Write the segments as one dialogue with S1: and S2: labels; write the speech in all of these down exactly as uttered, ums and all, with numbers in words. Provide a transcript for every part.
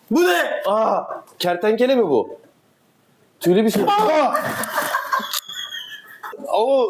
S1: Bu ne?
S2: Aa, kertenkele mi bu? Tüylü bir şey. Aa! Oo.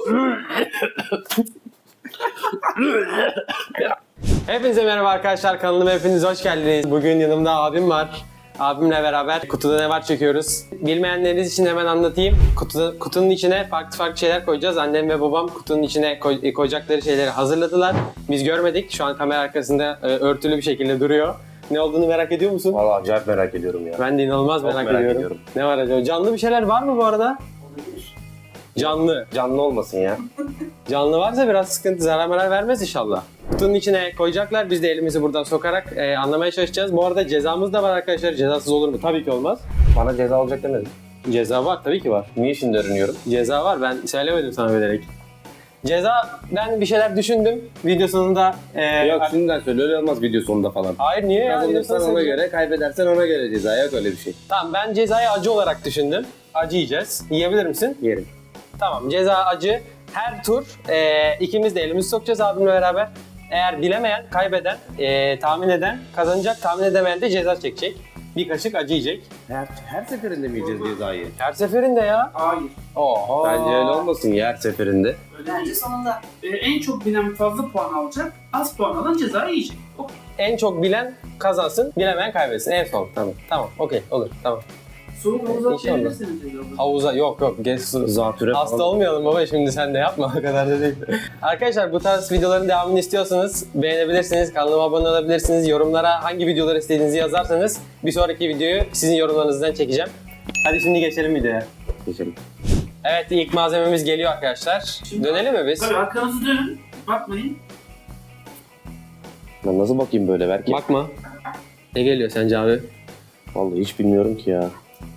S1: Hepinize merhaba arkadaşlar, kanalıma hepiniz hoş geldiniz. Bugün yanımda abim var. Abimle beraber kutuda ne var çekiyoruz. Bilmeyenleriniz için hemen anlatayım. Kutu, kutunun içine farklı farklı şeyler koyacağız. Annem ve babam kutunun içine koy, koyacakları şeyleri hazırladılar. Biz görmedik. Şu an kamera arkasında e, örtülü bir şekilde duruyor. Ne olduğunu merak ediyor musun?
S2: Valla acayip merak ediyorum ya.
S1: Ben de inanılmaz
S2: Çok
S1: merak,
S2: merak
S1: ediyorum.
S2: ediyorum.
S1: Ne var acaba? Canlı bir şeyler var mı bu arada? Canlı.
S2: Canlı olmasın ya.
S1: Canlı varsa biraz sıkıntı, zarar marar vermez inşallah. Kutunun içine koyacaklar. Biz de elimizi buradan sokarak e, anlamaya çalışacağız. Bu arada cezamız da var arkadaşlar. Cezasız olur mu? Tabii ki olmaz.
S2: Bana ceza olacak demedin.
S1: Ceza var, tabii ki var.
S2: Niye şimdi öğreniyorum?
S1: Ceza var. Ben söylemedim sana bilerek. Ceza, ben bir şeyler düşündüm. Video sonunda... E,
S2: Yok şimdiden söyle, öyle olmaz video sonunda falan.
S1: Hayır, niye ya? Video
S2: Kazanırsan
S1: sonunda
S2: ona
S1: söyleyeceğim.
S2: göre, kaybedersen ona göre ceza. Yok öyle bir şey.
S1: Tamam, ben cezayı acı olarak düşündüm. Acı yiyeceğiz. Yiyebilir misin?
S2: Yerim.
S1: Tamam, ceza acı. Her tur e, ikimiz de elimizi sokacağız abimle beraber. Eğer bilemeyen, kaybeden, e, tahmin eden kazanacak, tahmin edemeyen de ceza çekecek. Bir kaşık acı yiyecek.
S2: Her, her seferinde mi yiyeceğiz cezayı?
S1: Her seferinde ya.
S3: Hayır.
S1: Oho.
S2: Bence öyle olmasın ya her seferinde.
S3: Öyle
S4: Bence
S3: değil.
S4: sonunda.
S3: Ee, en çok bilen fazla puan alacak, az puan alan cezayı yiyecek. O.
S1: En çok bilen kazansın, bilemeyen kaybetsin. En son. Tamam. Tamam, okey, olur. Tamam.
S3: Soğuk havuza
S1: İnşallah.
S3: atlayabilirsiniz cezayı.
S1: Havuza, yok yok, geç su.
S2: Zatüre
S1: Hasta
S2: falan.
S1: olmayalım baba, şimdi sen de yapma, o kadar da değil. Arkadaşlar, bu tarz videoların devamını istiyorsanız beğenebilirsiniz, kanalıma abone olabilirsiniz, yorumlara hangi videoları istediğinizi yazarsanız bir sonraki videoyu sizin yorumlarınızdan çekeceğim. Hadi şimdi geçelim videoya.
S2: Geçelim.
S1: Evet, ilk malzememiz geliyor arkadaşlar.
S3: Şimdi-
S1: Dönelim mi biz?
S3: Tabii arkanızı dönün, bakmayın.
S2: Ben nasıl bakayım böyle belki?
S1: Bakma. Ne geliyor sence abi?
S2: Vallahi hiç bilmiyorum ki ya.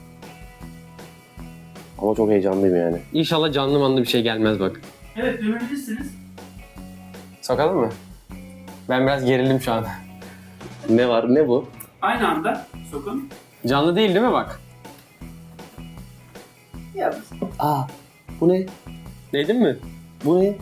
S2: Ama çok heyecanlıyım yani.
S1: İnşallah canlı manlı bir şey gelmez bak.
S3: Evet, dönebilirsiniz.
S1: Sokalım mı? Ben biraz gerildim şu an.
S2: Ne var, ne bu?
S3: Aynı anda sokun.
S1: Canlı değil değil mi bak?
S4: Ya
S2: Aa, bu ne?
S1: Değdin mi?
S2: Bu ne?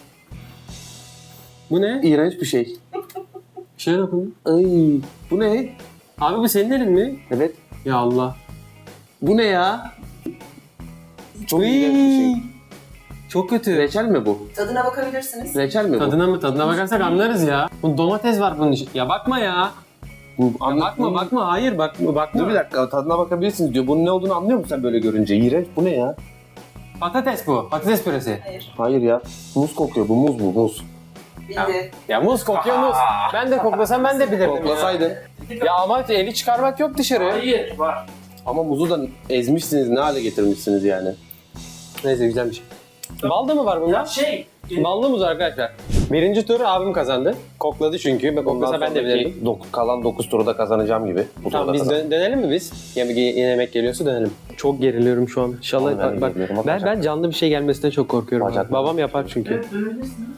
S1: Bu ne?
S2: İğrenç bir şey.
S1: Bir şey dokun.
S2: Ay, bu ne?
S1: Abi bu senin elin mi?
S2: Evet.
S1: Ya Allah.
S2: Bu ne ya? Çok
S1: Uy.
S2: iğrenç bir şey.
S1: Çok kötü.
S2: Reçel mi bu?
S4: tadına bakabilirsiniz.
S2: Reçel mi bu?
S1: Tadına mı? Tadına bakarsak anlarız ya. Bu domates var bunun için. Ya bakma ya.
S2: Bu,
S1: Ya
S2: anla-
S1: bakma bakma. Hayır bakma bakma.
S2: Dur bir dakika, tadına bakabilirsiniz diyor. Bunun ne olduğunu anlıyor musun sen böyle görünce? İğrenç, bu ne ya?
S1: Patates bu. Patates püresi.
S4: Hayır.
S2: Hayır ya. Muz kokuyor, bu muz bu, muz.
S4: Bildi.
S1: Ya muz kokuyor muz. Ben de koklasam ben de bilirdim
S2: Koklasaydın.
S1: ya. Ya ama eli çıkarmak yok dışarı.
S3: Hayır, var.
S2: Ama muzu da ezmişsiniz, ne hale getirmişsiniz yani.
S1: Neyse, güzel bir şey. Bal da mı var
S3: Ya
S1: bunda?
S3: şey,
S1: Ballı muz arkadaşlar. Birinci tur abim kazandı. Kokladı çünkü. Ben koklasa ben de bilirdim.
S2: Dok- kalan dokuz turu da kazanacağım gibi. Bu
S1: Tamam,
S2: turda
S1: biz
S2: kazan-
S1: dön- dönelim mi biz? Yemek, yemek geliyorsa dönelim. Çok geriliyorum şu an. İnşallah
S2: Vallahi ben de
S1: bak,
S2: geriliyorum,
S1: ben,
S2: bacak.
S1: ben canlı bir şey gelmesinden çok korkuyorum.
S2: Bacak.
S1: Babam yapar çünkü.
S3: evet dönebilirsiniz.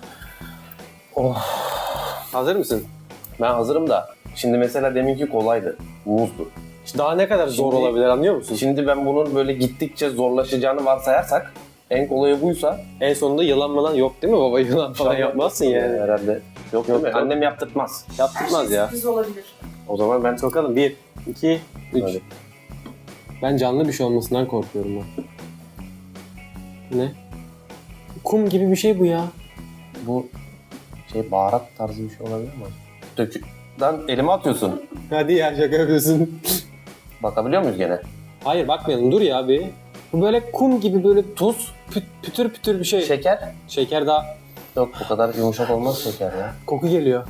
S1: Hazır mısın?
S2: Ben hazırım da. Şimdi mesela deminki kolaydı. Muzdu.
S1: Daha ne kadar zor
S2: Şimdi-
S1: olabilir, anlıyor musun?
S2: Şimdi ben bunun böyle gittikçe zorlaşacağını varsayarsak en kolayı buysa
S1: En sonunda yılan falan yok değil mi baba? Yılan falan yapmazsın yani.
S2: herhalde. Yok değil mi?
S1: yok.
S2: Annem yaptırtmaz.
S1: Yaptırmaz
S4: Her
S1: ya.
S4: şey sürpriz olabilir.
S2: O zaman ben
S1: Sokalım. Bir, iki, üç.
S2: Hadi.
S1: Ben canlı bir şey olmasından korkuyorum ben. Ne? Kum gibi bir şey bu ya.
S2: bu şey baharat tarzı bir şey olabilir mi? Dökü. Lan elime atıyorsun.
S1: Hadi ya, şaka yapıyorsun.
S2: Bakabiliyor muyuz gene?
S1: Hayır bakmayalım, dur ya bir. Bu böyle kum gibi böyle tuz, püt, pütür pütür bir şey.
S2: Şeker?
S1: Şeker daha
S2: Yok, bu kadar yumuşak olmaz şeker ya.
S1: koku geliyor.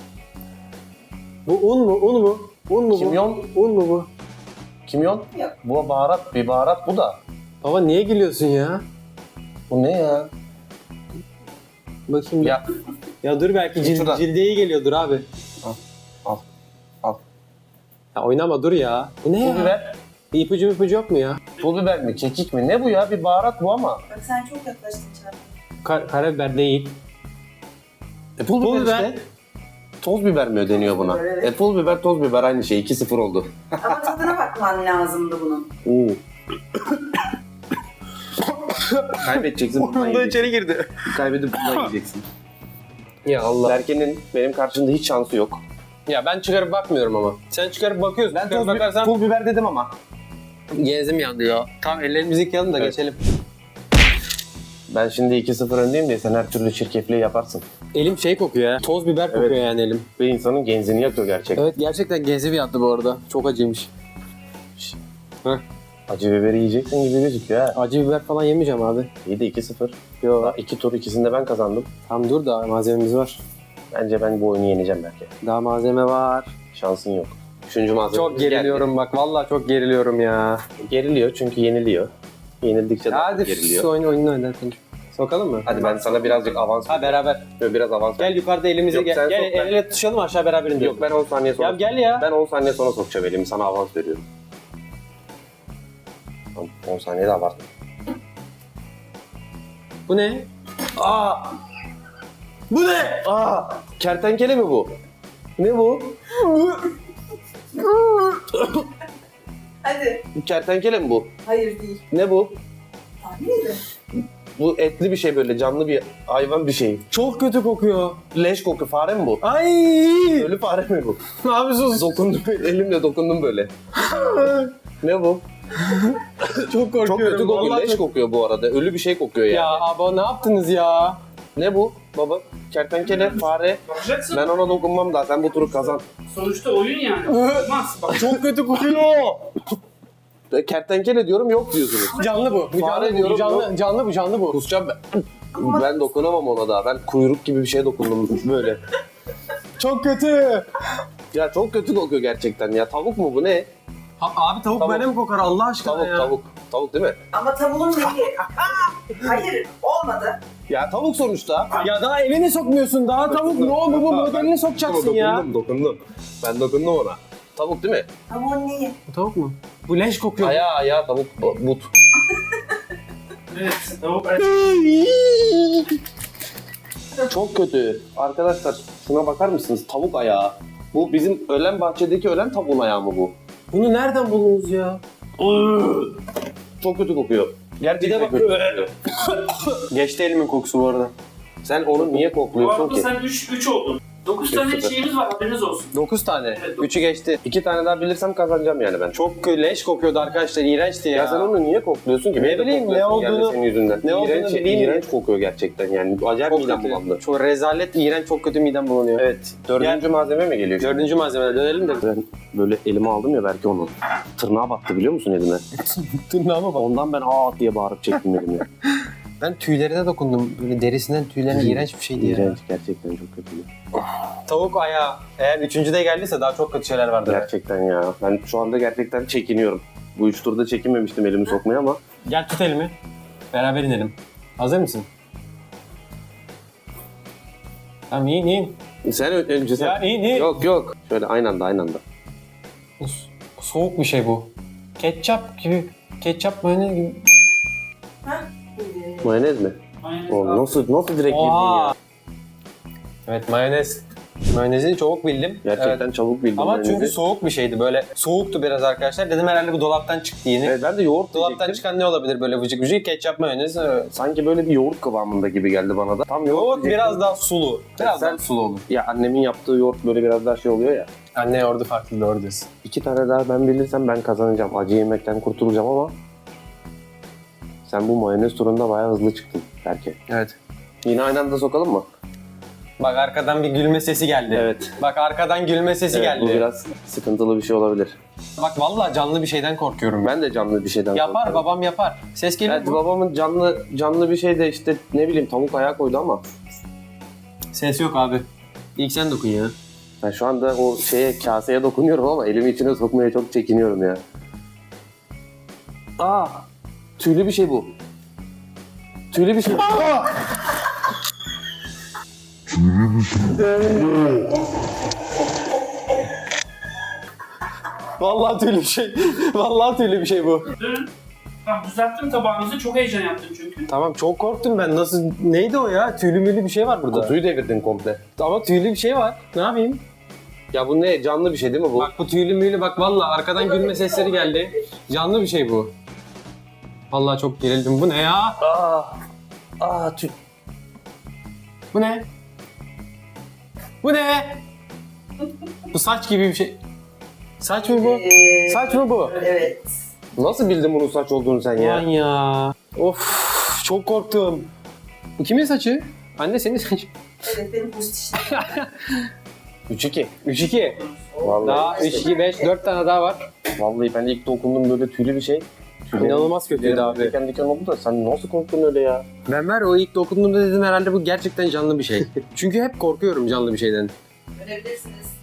S1: Bu un mu? Un mu? Un mu bu?
S2: Kimyon?
S1: Un mu bu?
S2: Kimyon?
S4: Yok.
S2: Bu baharat, bir baharat bu da.
S1: Baba niye gülüyorsun ya?
S2: Bu ne ya?
S1: Bakayım. Ya,
S2: Ya
S1: ya dur, belki cil,
S2: Şuradan.
S1: cilde iyi geliyordur abi.
S2: Al, al, al.
S1: Ya oynama, dur ya. Bu ne
S2: Pul
S1: ya?
S2: biber.
S1: Bir ipucu bir ipucu yok mu ya?
S2: Pul biber mi? Kekik mi? Ne bu ya? Bir baharat bu ama.
S4: Bak sen çok yaklaştın Çağatay.
S1: Kar karabiber değil.
S2: E, pul,
S1: Pul
S2: biber,
S1: biber.
S2: işte. Toz biber mi ödeniyor buna?
S4: biber, evet.
S2: E, pul biber, toz biber aynı şey. iki sıfır oldu.
S4: Ama tadına bakman lazımdı bunun.
S2: Oo. Kaybedeceksin. bundan yiyeceksin.
S1: girdi.
S2: Kaybedip bundan yiyeceksin.
S1: Ya Allah.
S2: Berke'nin benim karşımda hiç şansı yok.
S1: Ya ben çıkarıp bakmıyorum ama. Sen çıkarıp bakıyorsun.
S2: Ben
S1: çıkarıp
S2: toz
S1: bakarsan
S2: pul biber dedim ama.
S1: genzim yandı ya. Tamam ellerimizi yıkayalım da
S2: Evet.
S1: geçelim.
S2: Ben şimdi iki sıfır öndeyim diye sen her türlü çirkefliği yaparsın.
S1: Elim şey kokuyor ya. Toz biber kokuyor
S2: Evet.
S1: yani elim.
S2: Ve insanın genzini yakıyor gerçekten.
S1: Evet gerçekten genzim yandı bu arada. Çok acıymış. Heh.
S2: Acı biberi yiyeceksin gibi gözüküyor ha.
S1: Acı biber falan yemeyeceğim abi.
S2: İyi de iki sıfır.
S1: Yo.
S2: Daha iki tur ikisinde ben kazandım.
S1: Tam dur da malzememiz var.
S2: Bence ben bu oyunu yeneceğim belki.
S1: Daha malzeme var.
S2: Şansın yok. Üçüncü malzeme.
S1: Çok geriliyorum bak. Vallahi çok geriliyorum ya.
S2: Geriliyor çünkü yeniliyor. Yenildikçe daha
S1: Hadi
S2: çok geriliyor.
S1: şu oyunu oyunu oynatın. Sokalım mı?
S2: Hadi ben sana birazcık avans
S1: Ha beraber.
S2: veriyorum. Biraz avans
S1: Gel yukarıda elimizi
S2: Yok,
S1: gel.
S2: sen
S1: Gel
S2: sok, ben-
S1: el ele tutuşalım aşağı beraber indirelim.
S2: Yok ben on saniye sonra.
S1: Ya gel ya.
S2: Ben on saniye sonra sokacağım elimi. Sana avans veriyorum. Tamam, on saniye de abartma.
S1: Bu ne?
S2: Aa! Bu ne? Aa! Kertenkele mi bu? Ne bu?
S4: Hadi.
S2: Kertenkele mi bu?
S4: Hayır değil.
S2: Ne bu?
S4: Tahmin edin.
S2: Bu etli bir şey böyle canlı bir hayvan bir şey.
S1: Çok kötü kokuyor.
S2: Leş koku fare mi bu?
S1: Ay!
S2: Ölü fare mi bu?
S1: Abi sus.
S2: Dokundum elimle dokundum böyle. Ne bu?
S1: Çok korkuyorum.
S2: Çok kötü kokuyor.
S1: Vallahi
S2: Leş
S1: çok-
S2: kokuyor bu arada. Ölü bir şey kokuyor yani.
S1: Ya abi ne yaptınız ya?
S2: Ne bu baba? Kertenkele, fare.
S3: Bakacaksın.
S2: Ben ona dokunmam daha. Sen bu turu kazan.
S3: Sonuçta oyun yani. Olmaz. Bak
S1: Çok kötü kokuyor.
S2: E, Kertenkele diyorum yok diyorsunuz.
S1: Canlı bu. Bu
S2: Fare
S1: canlı, bu
S2: diyorum,
S1: canlı,
S2: yok.
S1: canlı bu, canlı bu.
S2: Kusacağım ben. Ben dokunamam ona daha. Ben kuyruk gibi bir şeye dokundum böyle.
S1: Çok kötü.
S2: Ya çok kötü kokuyor gerçekten ya. Tavuk mu bu ne?
S1: Ha, abi tavuk,
S2: Tavuk.
S1: böyle mi kokar Allah aşkına
S2: Tavuk
S1: ya?
S2: tavuk. Tavuk değil mi?
S4: Ama tavuğun rengi. Hayır olmadı.
S2: Ya tavuk sonuçta.
S1: Ya daha elini sokmuyorsun. Daha tavuk ne o bu bu modelini sokacaksın ya.
S2: Dokundum dokundum. Ben dokundum ona. Tavuk değil mi?
S4: Tavuğun neyi?
S1: Bu tavuk mu? Bu leş kokuyor.
S2: Ayağı ayağı tavuk but.
S3: evet. Tavuk evet.
S2: Çok kötü. Arkadaşlar şuna bakar mısınız? Tavuk ayağı. Bu bizim ölen bahçedeki ölen tavuğun ayağı mı bu?
S1: Bunu nereden buldunuz ya?
S2: Çok kötü kokuyor. Gerçekten
S1: bak-
S2: kötü kokuyor.
S1: Geçti elimin kokusu bu arada.
S2: Sen onu niye
S3: Bu
S2: kokluyorsun
S3: arada
S2: ki?
S3: sen üç üç oldun. dokuz tane
S2: sıfır.
S3: şeyimiz var haberiniz olsun.
S1: dokuz tane.
S3: Evet, dokuz.
S1: Üçü geçti.
S2: İki tane daha bilirsem kazanacağım yani ben.
S1: Çok leş kokuyordu arkadaşlar. İğrençti ya.
S2: Ya sen onu niye kokluyorsun ki?
S1: Ne
S2: Beni de
S1: bileyim, ne
S2: kokluyorsun yani
S1: olduğunu-
S2: senin yüzünden.
S1: ne olduğunu
S2: İğrenç,
S1: bileyim mi?
S2: iğrenç kokuyor gerçekten yani. Acayip
S1: çok
S2: midem
S1: kötü.
S2: bulandı.
S1: Çok rezalet, iğrenç, çok kötü midem bulanıyor.
S2: Evet. Dördüncü malzeme mi geliyor?
S1: Dördüncü malzemeye dönelim de.
S2: Ben böyle elime aldım ya belki onu. Tırnağa battı biliyor musun elime?
S1: Tırnağıma bak.
S2: Ondan ben aa diye bağırıp çektim elimi.
S1: Ben tüylerine dokundum. Böyle derisinden tüylerine iğrenç bir şeydi ya.
S2: İğrenç gerçekten çok kötü.
S1: Tavuk ayağı. Eğer üçüncüde geldiyse daha çok kötü şeyler vardır.
S2: Gerçekten ya. Ben şu anda gerçekten çekiniyorum. Bu üç turda çekinmemiştim elimi sokmaya ama.
S1: Gel tut elimi. Beraber inelim. Hazır mısın? Tamam in in.
S2: Sen ö- önce sen...
S1: Ya in in.
S2: Yok yok. Şöyle aynı anda aynı anda.
S1: So- Soğuk bir şey bu. Ketçap gibi. Ketçap mayonez gibi.
S4: Ha?
S2: Mayonez mi?
S3: Aynen.
S2: Oğlum nasıl nasıl direkt girdin
S1: Oha.
S2: ya?
S1: Evet mayonez. Mayonezi çabuk bildim.
S2: Gerçekten
S1: Evet.
S2: çabuk bildim
S1: Ama
S2: mayonezi.
S1: çünkü soğuk bir şeydi böyle. Soğuktu biraz arkadaşlar. Dedim herhalde bu dolaptan çıktı yeni.
S2: Evet, ben de yoğurt
S1: Dolaptan
S2: diyecektim.
S1: çıkan ne olabilir böyle vıcık vıcık? Ketçap mayonez. Evet.
S2: Sanki böyle bir yoğurt kıvamında gibi geldi bana da. Tam yoğurt
S1: Yoğurt
S2: diyecektim.
S1: biraz daha sulu. Biraz
S2: Sen-
S1: daha sulu olur.
S2: Ya annemin yaptığı yoğurt böyle biraz daha şey oluyor ya.
S1: Anne yoğurdu farklı doğru diyorsun.
S2: İki tane daha ben bilirsem ben kazanacağım. Acı yemekten kurtulacağım ama sen bu mayonez turunda bayağı hızlı çıktın belki.
S1: Evet.
S2: Yine aynı anda sokalım mı?
S1: Bak arkadan bir gülme sesi geldi.
S2: Evet.
S1: Bak arkadan gülme sesi
S2: Evet,
S1: geldi.
S2: bu biraz sıkıntılı bir şey olabilir.
S1: Bak vallahi canlı bir şeyden korkuyorum ben.
S2: Ben de canlı bir şeyden
S1: Yapar
S2: korkuyorum.
S1: babam yapar. Ses geliyor
S2: Evet
S1: mu?
S2: babamın canlı canlı bir şey de işte ne bileyim tavuk ayağı koydu ama
S1: Ses yok abi. İlk sen dokun ya.
S2: ben şu anda o şeye kaseye dokunuyorum ama elimi içine sokmaya çok çekiniyorum ya. Aa, tüylü bir şey bu. Tüylü bir şey.
S1: Vallahi tüylü bir şey. Vallahi tüylü bir şey bu.
S3: Dün Tamam düzelttim tabağınızı. Çok heyecan yaptım çünkü.
S1: Tamam çok korktum ben. Nasıl neydi o ya? Tüylü mülü bir şey var burada.
S2: Kutuyu devirdin komple.
S1: Ama tüylü bir şey var. Ne yapayım?
S2: Ya bu ne? Canlı bir şey değil mi bu?
S1: Bak bu tüylü mülü bak vallahi arkadan gülme sesleri geldi. Canlı bir şey bu. Vallahi çok gerildim. Bu ne ya?
S2: Aa, aa tüy.
S1: Bu ne? Bu ne? Bu saç gibi bir şey. Saç mı bu?
S4: Ee,
S1: Saç mı bu?
S4: Evet.
S2: Nasıl bildin bunun saç olduğunu sen
S1: Ulan
S2: ya?
S1: ya. Of çok korktum. Bu kimin saçı? Anne senin saçı.
S4: Evet benim post işte.
S2: üç iki.
S1: üç iki.
S2: Vallahi,
S1: Daha üç iki beş dört tane daha var.
S2: vallahi ben ilk dokundum böyle tüylü bir şey. Tüylerim-
S1: İnanılmaz kötüydü
S2: tüylerim
S1: abi.
S2: Diken diken oldu da sen nasıl korktun öyle ya?
S1: Ben var o ilk dokunduğumda dedim herhalde bu gerçekten canlı bir şey. Çünkü hep korkuyorum canlı bir şeyden.
S4: Görebilirsiniz.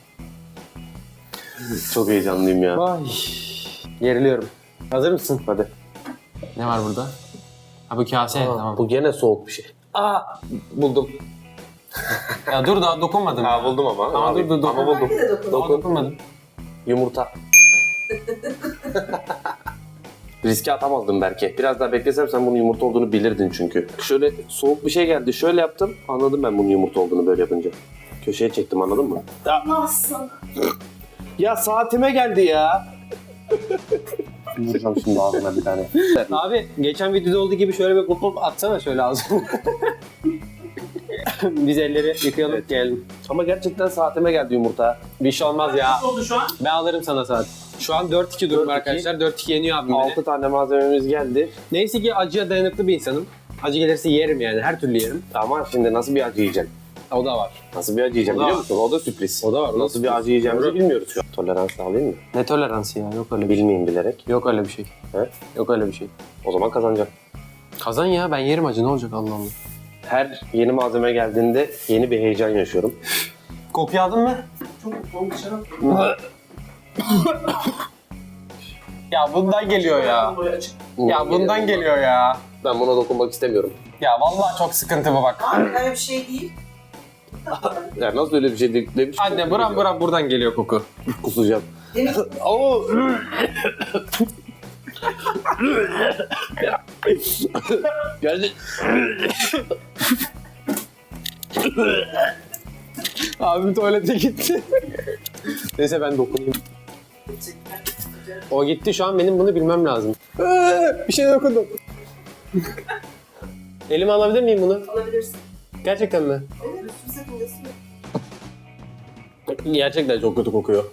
S2: Çok heyecanlıyım ya.
S1: Ay. Geriliyorum. Hazır mısın?
S2: Hadi.
S1: Ne var burada? Ha bu kase.
S2: Aa,
S1: Tamam.
S2: Bu gene soğuk bir şey.
S1: Aa,
S2: Buldum.
S1: ya dur daha dokunmadım.
S2: Ha buldum ama.
S1: Ama
S2: Abi,
S1: dur, dur, dur.
S2: Ama buldum.
S4: Belki de dokun.
S1: Daha dokunmadım.
S2: Yumurta. Riske atamazdım belki. Biraz daha beklesem sen bunun yumurta olduğunu bilirdin çünkü. Şöyle soğuk bir şey geldi. Şöyle yaptım. Anladım ben bunun yumurta olduğunu böyle yapınca. Köşeye çektim anladın mı?
S4: Nasıl?
S2: Ya saatime geldi ya. Vuracağım şimdi ağzına bir tane.
S1: Abi geçen videoda olduğu gibi şöyle bir pop pop atsana şöyle ağzına. Biz elleri yıkayalım
S2: Evet.
S1: gelelim.
S2: Ama gerçekten saatime geldi yumurta.
S1: Bir şey olmaz ya.
S3: Ne oldu şu an?
S1: Ben alırım sana saat. Şu an dört iki durum
S2: dört iki.
S1: arkadaşlar. dört iki yeniyor abim beni.
S2: altı tane malzememiz geldi.
S1: Neyse ki acıya dayanıklı bir insanım. Acı gelirse yerim yani. Her türlü yerim.
S2: Ama şimdi nasıl bir acı yiyeceğim?
S1: O da var.
S2: Nasıl bir acı yiyeceğim
S1: O da
S2: biliyor
S1: var.
S2: musun? O da sürpriz.
S1: O da var, o da
S2: Nasıl bir
S1: sürpriz.
S2: acı yiyeceğimizi
S1: Doğru.
S2: bilmiyoruz şu an. Tolerans sağlayayım mı?
S1: Ne toleransı ya? Yok öyle bir şey.
S2: Bilmeyeyim bilerek.
S1: Yok öyle bir şey.
S2: He?
S1: Yok öyle bir şey.
S2: O zaman kazanacağım.
S1: Kazan ya ben yerim acı ne olacak Allah Allah.
S2: Her yeni malzeme geldiğinde yeni bir heyecan yaşıyorum.
S1: Kokuyu aldın mı?
S3: Çok soğuk dışarı atıyor.
S1: Ya bundan geliyor ya.
S3: Buraya açık.
S1: Ya bundan geliyor ya.
S2: Ben buna dokunmak istemiyorum.
S1: Ya vallahi çok sıkıntı bu bak.
S4: Abi öyle bir şey değil.
S2: Ya nasıl öyle bir şey değil? Ne biçim
S1: Anne
S2: koku
S1: buram
S2: geliyor?
S1: buram buradan geliyor koku.
S2: Kusacağım.
S4: Demek ki
S2: Oo. Geldi.
S1: Abim tuvalete gitti. Neyse ben dokunayım. O gitti şu an benim bunu bilmem lazım. Ee, bir şey dokundum. Elime alabilir miyim bunu?
S4: alabilirsin.
S1: Gerçekten mi?
S4: Evet, üstüm sakıncası yok.
S1: Gerçekten çok kötü kokuyor.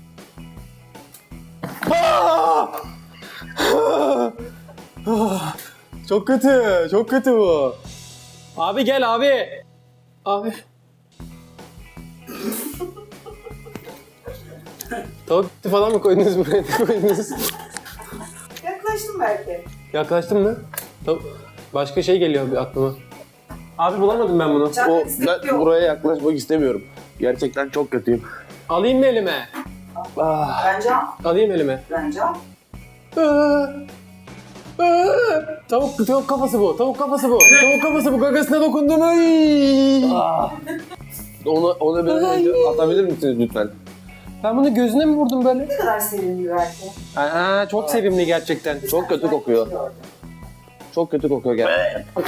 S1: Ah! Ah! Ah! Çok kötü, çok kötü bu. Abi gel abi. Abi. Tavuk eti falan mı koydunuz buraya? Ne koydunuz?
S4: Yaklaştım belki.
S1: Yaklaştın mı? Tavuk. Başka şey geliyor bir aklıma. Abi bulamadım ben bunu.
S4: Çak
S2: O,
S4: istek
S2: ben
S4: yok.
S2: buraya yaklaşmak istemiyorum. Gerçekten çok kötüyüm.
S1: Alayım mı elime?
S2: Ah.
S4: Bence al.
S1: Alayım elime.
S4: Bence al.
S1: Aa! Aa! Tavuk, tavuk kafası bu. Tavuk kafası bu. Tavuk kafası bu. Gagasına dokundum. Ay!
S2: Onu, onu böyle atabilir misiniz lütfen?
S1: Ben bunu gözüne mi vurdum böyle?
S4: Ne kadar sevimli belki.
S1: Aa, çok sevimli gerçekten.
S2: Çok kötü kokuyor. Çok kötü kokuyor gerçekten.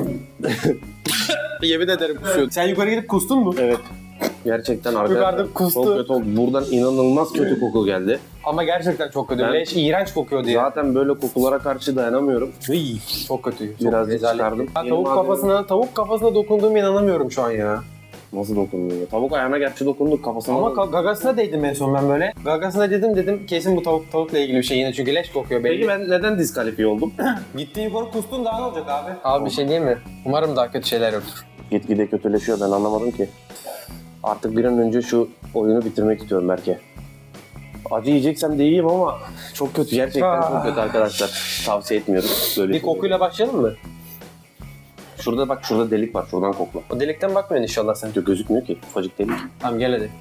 S1: Yemin ederim kusuyor. Sen yukarı gidip kustun mu?
S2: Evet. Gerçekten
S1: Yukarıda
S2: arkadaşlar
S1: kustu.
S2: çok kötü oldu. Buradan inanılmaz kötü koku geldi.
S1: Ama gerçekten çok kötü.
S2: Ben-
S1: Leş, iğrenç kokuyor diye.
S2: Zaten böyle kokulara karşı dayanamıyorum.
S1: Iy, çok kötü. Çok
S2: Birazcık
S1: rezalet.
S2: çıkardım.
S1: Ben
S2: Yeni
S1: tavuk
S2: malzeme-
S1: kafasına, tavuk kafasına dokunduğuma inanamıyorum şu an ya.
S2: Nasıl dokunuyor? Tavuk ayağına gerçi dokunduk kafasına.
S1: Ama
S2: Ama
S1: ka- gagasına değdim en son ben böyle. Gagasına dedim dedim kesin bu tavuk tavukla ilgili bir şey yine çünkü leş kokuyor belli.
S2: Peki ben neden diskalifiye oldum?
S1: Gittiğin yukarı kustun daha ne olacak abi? Abi bir şey diyeyim mi? Umarım daha kötü şeyler yoktur.
S2: Gitgide kötüleşiyor ben anlamadım ki. Artık bir an önce şu oyunu bitirmek istiyorum belki. Acı yiyeceksem de yiyeyim ama çok kötü. Gerçekten çok kötü arkadaşlar. Tavsiye etmiyorum. Böyle
S1: Bir kokuyla başlayalım mı?
S2: Şurada bak şurada delik var. Şuradan kokla.
S1: O delikten bakmıyorsun inşallah sen.
S2: Yok, gözükmüyor ki. Ufacık delik.
S1: Tamam gel hadi.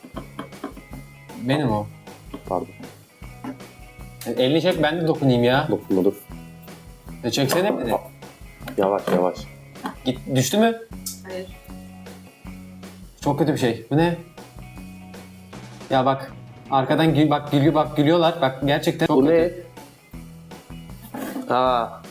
S1: Benim o.
S2: Pardon.
S1: Yani elini çek ben de dokunayım ya.
S2: Dokunma dur.
S1: E çeksene beni.
S2: Yavaş yavaş.
S1: Git düştü mü?
S4: Hayır.
S1: Çok kötü bir şey. Bu ne? Ya bak arkadan gül bak gülü bak gülüyorlar. Bak gerçekten çok
S2: Bu
S1: kötü.
S2: ne? Aa.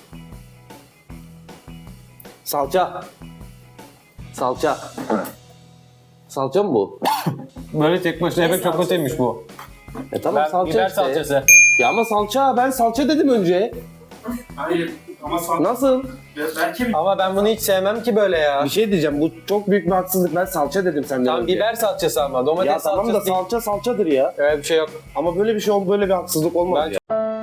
S2: Salça. Salça. Salça mı bu?
S1: Böyle tek başına yemek çok
S4: salçası?
S1: kötüymüş bu.
S2: E tamam
S1: Ben
S2: salça
S1: biber
S2: işte.
S1: salçası.
S2: Ya ama salça ben salça dedim önce.
S3: Hayır. Ama sonra
S2: Nasıl?
S3: belki bir
S1: Ama ben bunu hiç sevmem ki böyle ya.
S2: Bir şey diyeceğim. Bu çok büyük bir haksızlık. Ben salça dedim senden
S1: Tam
S2: önce.
S1: biber salçası ama domates
S2: Ya tamam da
S1: salçası değil.
S2: salça salçadır ya.
S1: Öyle bir şey yok.
S2: Ama böyle bir şey ol, böyle bir haksızlık olmaz
S1: Ben-
S2: ya.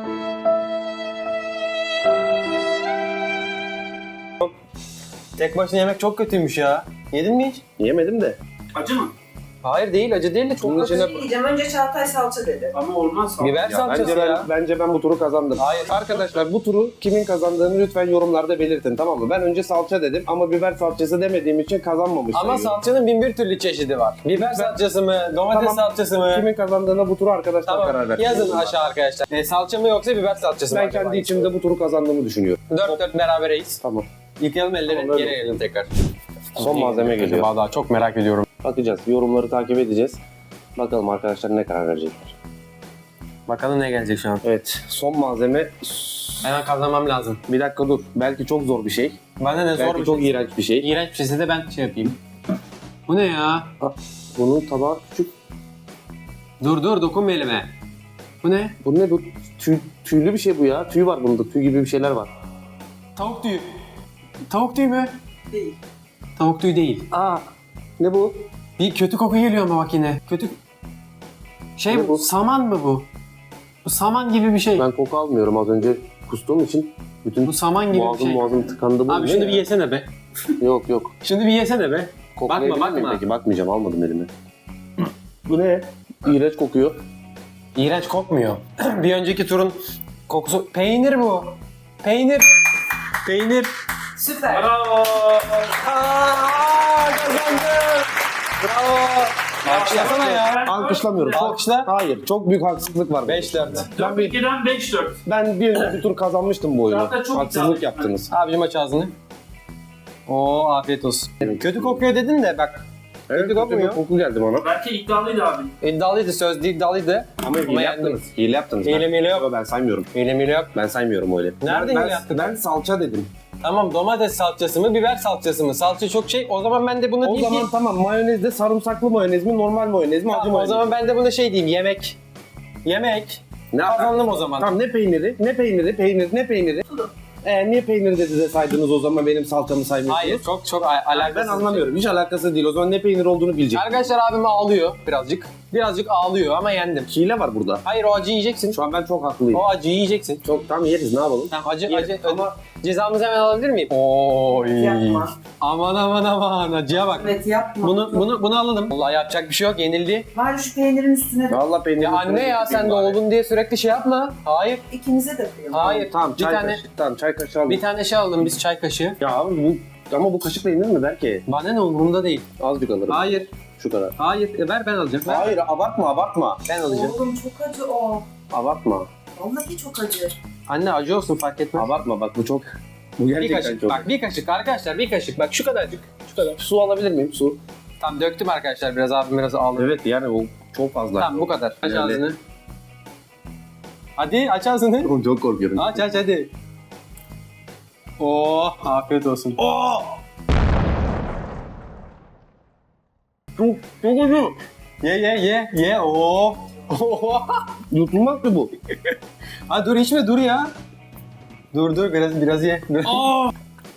S1: Tek başına yemek çok kötüymüş ya. Yedin mi hiç?
S2: Yemedim de.
S3: acı mı?
S1: Hayır değil, acı değil de çok
S2: Bunun
S1: kötü.
S2: içine-
S4: Bir şey diyeceğim. Önce Çağatay salça dedi.
S3: Ama olmaz.
S1: Biber
S2: Ya
S1: salçası
S2: bence ben,
S1: ya.
S2: bence ben bu turu kazandım.
S1: Hayır.
S2: Arkadaşlar bu turu kimin kazandığını lütfen yorumlarda belirtin, tamam mı? Ben önce salça dedim ama biber salçası demediğim için kazanmamış
S1: Ama
S2: sayıyorum.
S1: salçanın bin bir türlü çeşidi var. Biber salçası mı, domates
S2: Tamam.
S1: salçası mı?
S2: Kimin kazandığına bu turu arkadaşlar karar
S1: Tamam,
S2: versin.
S1: yazın aşağı arkadaşlar. E, salça mı yoksa biber salçası mı?
S2: Ben
S1: acaba?
S2: kendi içimde bu turu kazandığımı düşünüyorum.
S1: Dört dört berabereyiz.
S2: Tamam.
S1: Yıkayalım elleri,
S2: Tamam, öyle
S1: geri gelelim tekrar.
S2: Son malzeme geliyor.
S1: Acaba daha çok merak ediyorum.
S2: Bakacağız. Yorumları takip edeceğiz. Bakalım arkadaşlar ne karar verecekler.
S1: Bakalım ne gelecek şu an. Evet.
S2: Son malzeme...
S1: Hemen kazanmam lazım.
S2: Bir dakika dur. Belki çok zor bir şey.
S1: Bana ne zor
S2: Belki
S1: bir
S2: çok
S1: şey.
S2: iğrenç bir şey.
S1: İğrenç bir şeyse de ben şey yapayım. Bu ne ya?
S2: Bunun tabağı küçük.
S1: Dur dur dokunma elime. Bu ne?
S2: Bu ne bu? Tüy, tüylü bir şey bu ya. Tüy var bunda. Tüy gibi bir şeyler var.
S1: Tavuk tüyü. Tavuk tüyü mü?
S4: Değil.
S1: Tavuk tüyü değil.
S2: Aa, ne bu?
S1: Bir kötü koku geliyor ama bak yine. Kötü... Şey
S2: Ne
S1: bu?
S2: bu?
S1: Saman mı bu? Bu saman gibi bir şey.
S2: Ben koku almıyorum az önce kustuğum için. Bütün
S1: Bu saman gibi bir
S2: boğazım
S1: şey.
S2: boğazım tıkandı. Bu
S1: Abi
S2: ne
S1: şunu
S2: ya?
S1: bir yesene be.
S2: Yok yok.
S1: Şunu bir yesene be.
S2: Koklayabilir
S1: Bakma,
S2: miyim
S1: bakma.
S2: Peki bakmayacağım, almadım elime. Bu ne? İğrenç kokuyor.
S1: İğrenç kokmuyor. Bir önceki turun kokusu... Peynir bu. Peynir. Peynir.
S4: Süper.
S3: Bravo.
S1: Aaa kazandım. Bravo. Alkışlasana ya.
S2: Alkışlamıyorum. Çok-
S1: Alkışla.
S2: Hayır, çok büyük haksızlık var.
S1: beş dört.
S2: Ben bir,
S3: dört ikiden beş dört.
S2: ben bir önceki tur kazanmıştım bu oyunu.
S3: Zaten çok
S2: Haksızlık
S3: iddialı.
S2: yaptınız.
S1: Abicim aç ağzını. Oo afiyet olsun. Kötü kokuyor dedin de bak.
S2: Evet, kötü bir
S1: kokmuyor.
S2: koku geldi bana.
S3: Belki iddialıydı abi.
S1: İddialıydı, sözde iddialıydı.
S2: Ama hile
S1: Ama
S2: yaptınız. Hile yaptınız.
S1: Hile mile yok.
S2: Ben, ben saymıyorum.
S1: Hile mile yok.
S2: Ben saymıyorum öyle.
S1: Nerede
S2: ben,
S1: hile yaptık?
S2: Ben salça dedim.
S1: Tamam domates salçası mı, biber salçası mı? Salça çok şey. O zaman ben de buna
S2: O
S1: diyeyim
S2: zaman
S1: ki...
S2: tamam, mayonezde sarımsaklı mayonez mi, normal mayonez mi, acı
S1: Tamam, o
S2: mayonez mi?
S1: zaman ben de buna şey diyeyim, yemek. Yemek.
S2: Ne
S1: Kazandım o zaman.
S2: Tamam, ne peyniri, ne peyniri, peynir, ne peyniri? Ee, niye peyniri dedi de saydınız o zaman benim salçamı saymıyorsunuz?
S1: Hayır, çok çok al- alakasız.
S2: Ben anlamıyorum. Hiç alakası değil. O zaman ne peynir olduğunu bilecek.
S1: Arkadaşlar abim ağlıyor birazcık. Birazcık ağlıyor ama yendim.
S2: Hile var burada.
S1: Hayır o acıyı yiyeceksin.
S2: Şu an ben çok haklıyım.
S1: O acıyı yiyeceksin.
S2: Çok tam yeriz, ne yapalım?
S1: Tamam acı
S2: Ye-
S1: acı
S2: ama-
S1: ama cezamızı hemen alabilir miyim? Oy.
S4: Yapma.
S1: Aman aman aman acıya bak.
S4: Evet yapma.
S1: Bunu bunu bunu alalım. Vallahi yapacak bir şey yok, yenildi.
S4: Bari şu peynirin üstüne de
S2: Vallahi peynir.
S1: Ya anne ya sen de oldun diye sürekli şey yapma. Hayır.
S4: ikimize de koyalım.
S1: Hayır.
S2: Tamam,
S1: bir
S2: çay
S1: tane
S2: kaşığı. Tamam, çay kaşığı aldım.
S1: bir tane şey alalım biz, çay kaşığı.
S2: Ya abi bu ama bu kaşıkla yenir mi belki?
S1: Bana ne, umurumda değil.
S2: Azıcık alırım.
S1: Hayır.
S2: Şu kadar.
S1: Hayır. E, ver ben alacağım. Ver.
S2: Hayır, abartma, abartma.
S1: Ben alacağım.
S4: Oğlum çok acı o.
S2: Abartma.
S4: Vallahi çok acı.
S1: Anne acı olsun fark etmez.
S2: Abartma bak, bu çok. Bu
S1: Bir
S2: gerçekten
S1: kaşık.
S2: çok.
S1: Bak bir kaşık arkadaşlar, bir kaşık. Bak şu kadarcık. Şu kadar.
S2: Su alabilir miyim? Su.
S1: Tamam döktüm arkadaşlar, biraz abim biraz ağladı.
S2: Evet yani o çok fazla.
S1: Tamam bu kadar. Aç
S2: Yani-
S1: ağzını. Hadi aç ağzını.
S2: Oğlum çok korkuyorum.
S1: Aç aç hadi. Oo afiyet olsun.
S2: Aa! Çok, çok acı.
S1: Ye ye ye ye. Oo. Oo.
S2: Yutulmaz ki bu.
S1: Ha dur içme dur ya. Dur dur biraz biraz ye.
S2: Aa!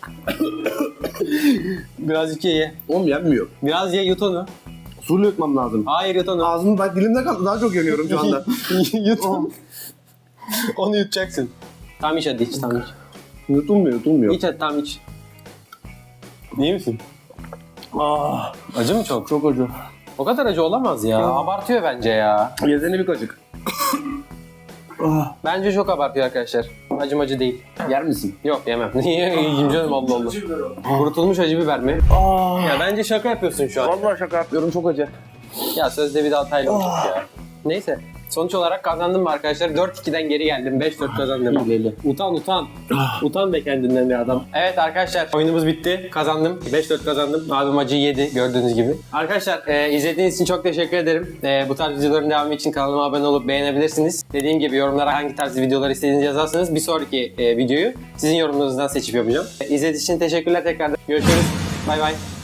S1: Birazcık ye ye.
S2: Oğlum yenmiyor.
S1: Biraz ye, yut onu.
S2: Suyla yutmam lazım.
S1: Hayır yut onu.
S2: Ağzım bak dilimde kaldı. Daha çok yanıyorum şu anda.
S1: Yut onu. Onu yutacaksın. Tamam iç hadi iç, tamam iç.
S2: Yutulmuyor, yutulmuyor.
S1: İç hadi tamam iç. İyi misin?
S2: Ah,
S1: Acı mı çok?
S2: çok acı.
S1: O kadar acı olamaz ya. Abartıyor bence ya.
S2: Yesene bir kaşık. Ah,
S1: Bence çok abartıyor arkadaşlar. Acım acı değil.
S2: yer misin?
S1: Yok yemem. Niye? Yiyeyim canım Allah Allah.
S3: Acı biber o.
S1: Kurutulmuş acı biber mi?
S2: Ah.
S1: Ya bence şaka yapıyorsun şu an.
S2: Vallahi şaka yapıyorum, çok acı.
S1: Ya sözde bir daha hatayla olacak ya. Neyse. Sonuç olarak kazandım mı arkadaşlar? dört ikiden geri geldim. beş dört kazandım.
S2: Hileli.
S1: Utan utan. Utan be kendinden bir adam. Evet arkadaşlar oyunumuz bitti. Kazandım. beş dört kazandım. Abim acıyı yedi gördüğünüz gibi. Arkadaşlar e, izlediğiniz için çok teşekkür ederim. E, bu tarz videoların devamı için kanalıma abone olup beğenebilirsiniz. Dediğim gibi yorumlara hangi tarz videolar istediğinizi yazarsanız bir sonraki e, videoyu sizin yorumlarınızdan seçip yapacağım. E, izlediğiniz için teşekkürler tekrardan. Görüşürüz. Bay bay.